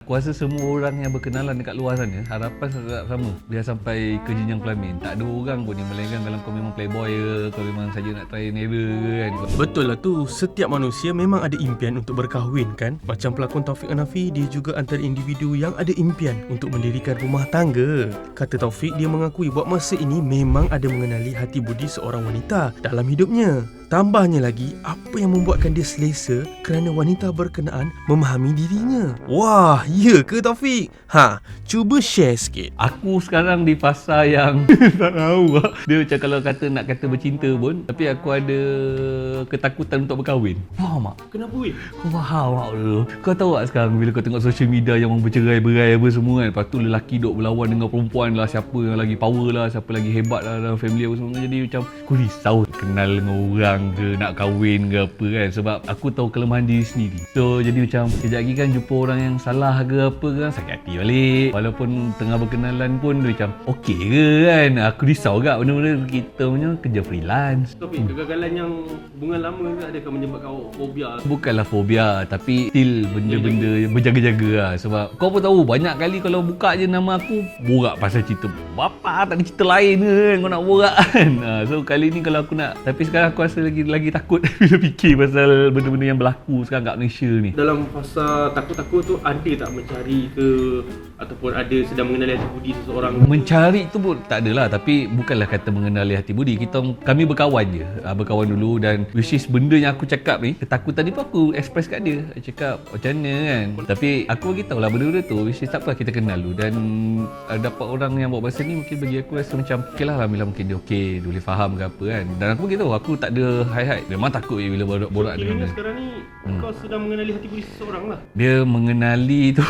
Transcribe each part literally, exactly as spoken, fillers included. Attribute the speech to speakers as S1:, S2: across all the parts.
S1: Aku rasa semua orang yang berkenalan dekat luar sana harapan tetap sama, biar sampai ke jenjang kelamin. Tak ada orang pun yang melainkan kalau kau memang playboy ke, kau memang saja nak try nera ke kan.
S2: Betul lah tu, setiap manusia memang ada impian untuk berkahwin kan. Macam pelakon Taufik Hanafi, dia juga antara individu yang ada impian untuk mendirikan rumah tangga. Kata Taufik, dia mengakui buat masa ini memang ada mengenali hati budi seorang wanita dalam hidupnya. Tambahnya lagi, apa yang membuatkan dia selesa kerana wanita berkenaan memahami dirinya. Wah, ya ke Taufik? Ha, cuba share sikit.
S1: Aku sekarang di fasa yang tak tahu lah. Dia macam kalau kata nak kata bercinta pun, tapi aku ada ketakutan untuk berkahwin. Faham tak?
S2: Kenapa weh?
S1: Kau faham tak dulu? Kau tahu tak sekarang bila kau tengok social media yang orang bercerai-berai apa semua kan, lepas tu lelaki duk berlawan dengan perempuan lah, siapa yang lagi power lah, siapa lagi hebat lah dalam family apa semua. Jadi macam aku risau kenal dengan orang ke, nak kahwin ke apa kan, sebab aku tahu kelemahan diri sendiri. So jadi macam kejap lagi kan jumpa orang yang salah ke apa kan, sakit hati balik. Walaupun tengah berkenalan pun dia macam okey ke kan. Aku risau agak benda-benda kita punya kerja freelance.
S2: Tapi kegagalan yang hubungan lama ke adakah menyebabkan awak fobia?
S1: Bukanlah fobia, tapi still benda-benda yang berjaga-jaga lah. Sebab kau pun tahu banyak kali kalau buka je nama aku, borak pasal cerita bapa, tak ada cerita lain ke kan kau nak borak kan. So kali ni kalau aku nak, tapi sekarang aku rasa lagi lagi takut bila fikir pasal benda-benda yang berlaku sekarang kat Malaysia ni.
S2: Dalam fasa takut-takut tu ada tak mencari ke ataupun ada sedang mengenali hati budi seseorang?
S1: Mencari tu pun tak adalah, tapi bukanlah kata mengenali hati budi. Kita kami berkawan je, berkawan dulu, dan which is benda yang aku cakap ni, ketakutan ni pun aku express kat dia. Aku cakap macam mana kan. Tapi aku bagi tahu lah benda-benda tu, which is tak apa, kita kenal dulu. Dan uh, dapat orang yang buat bahasa ni, mungkin bagi aku rasa macam okey lah, Alhamdulillah mungkin dia okey, dia boleh faham ke apa kan. Dan aku bagi tahu aku tak ada hide-hide. Memang takut je bila borak-borak
S2: so,
S1: dengan dia.
S2: Sekarang ni hmm. kau sedang mengenali hati budi seseorang lah.
S1: Dia mengenali tu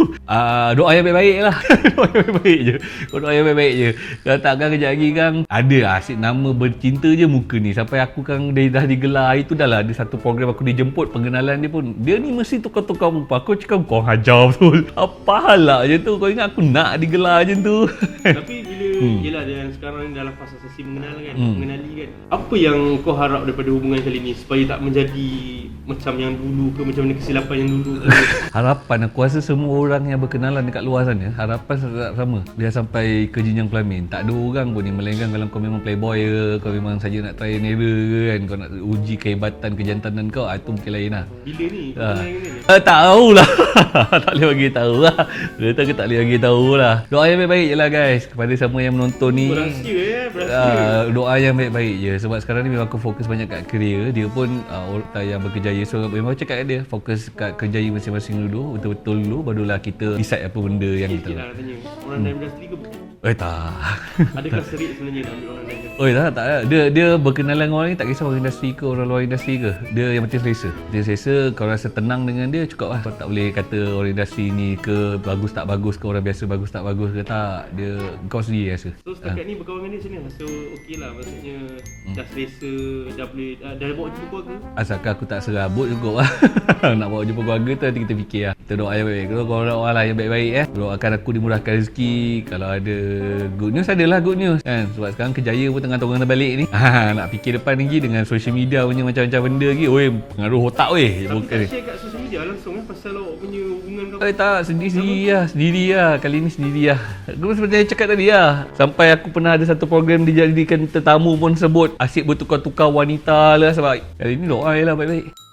S1: uh, doa yang baik-baik lah. Doa yang baik-baik je. Kau doa yang baik-baik je. Kalau takkan kejap lagi kan ada asyik nama bercinta je muka ni. Sampai aku kan dia dah digelar hari tu, dah lah ada satu program aku dijemput pengenalan dia pun. Dia ni mesti tukar-tukar muka. Aku cakap kau hajar betul. Apa hal lah je tu. Kau ingat aku nak digelar je tu.
S2: Tapi bila hmm. yelah dia sekarang ni dalam fasa sesi mengenal kan, hmm. mengenali kan. Apa yang kau harap daripada hubungan kali ni supaya tak menjadi macam yang dulu ke, macam mana kesilapan yang dulu ke?
S1: Harapan aku rasa semua orang yang berkenalan dekat luar sana harapan tetap sama, biar sampai ke jenjang kelamin. Tak ada orang pun yang melainkan kalau kau memang playboy ke, kau memang saja nak try nera ke kan, kau nak uji kehebatan kejantanan kau, ah, itu mungkin lain lah.
S2: Bila ni?
S1: Ha. Uh, tak tahulah. Tak boleh bagi tahu lah. Dia tak tak boleh bagi tahu lah. Doa yang baik-baik je lah guys kepada semua yang menonton ni.
S2: Berahsia ya, berahsia.
S1: Uh, doa yang baik-baik je, sebab sekarang ni memang aku fokus banyak kat career. Dia pun uh, orang yang berkejaya, so memang cakap kat dia fokus kat kerjaya masing-masing dulu, betul-betul dulu, barulah kita decide apa benda yang
S2: okay,
S1: kita
S2: okay, nak tanya, orang dalam industri ke bukan?
S1: Eh tak.
S2: Adakah serik sebenarnya nak ambil orang dalam industri?
S1: Oh tak, tak. Dia dia berkenalan dengan orang ni tak kisah orang industri ke orang luar industri ke. Dia yang penting selesa. Dia selesa, kau rasa tenang dengan dia cukup lah. Kau tak boleh kata orang industri ni ke bagus tak bagus ke, orang biasa bagus tak bagus ke, tak. Dia kau sendiri rasa.
S2: So setakat ha. ni berkawan dengan dia macam mana? So okey lah, maksudnya hmm. dah selesa, dah boleh, dah, dah bawa jumpa keluarga?
S1: Asalkan aku tak serabut cukup lah. Nak bawa jumpa keluarga tu nanti kita fikir lah. Kita doa yang baik-baik. Kalau kau doa lah yang baik-baik eh. Doakan aku dimurahkan rezeki. Kalau ada good news, adalah good news kan. Sebab sekarang kejaya pun tengah tolong balik ni. Ha, nak fikir depan lagi dengan social media punya macam-macam benda lagi. Oi, pengaruh otak weh.
S2: Tapi tak share kat social media langsung eh pasal awak punya hubungan kau?
S1: Eh tak, sendiri-sendiri lah. Sendiri lah. Kali ni sendiri lah. Aku seperti yang cakap tadi lah. Sampai aku pernah ada satu program dijadikan tetamu pun sebut asyik bertukar-tukar wanita lah. Sebab kali ni doa je lah baik-baik.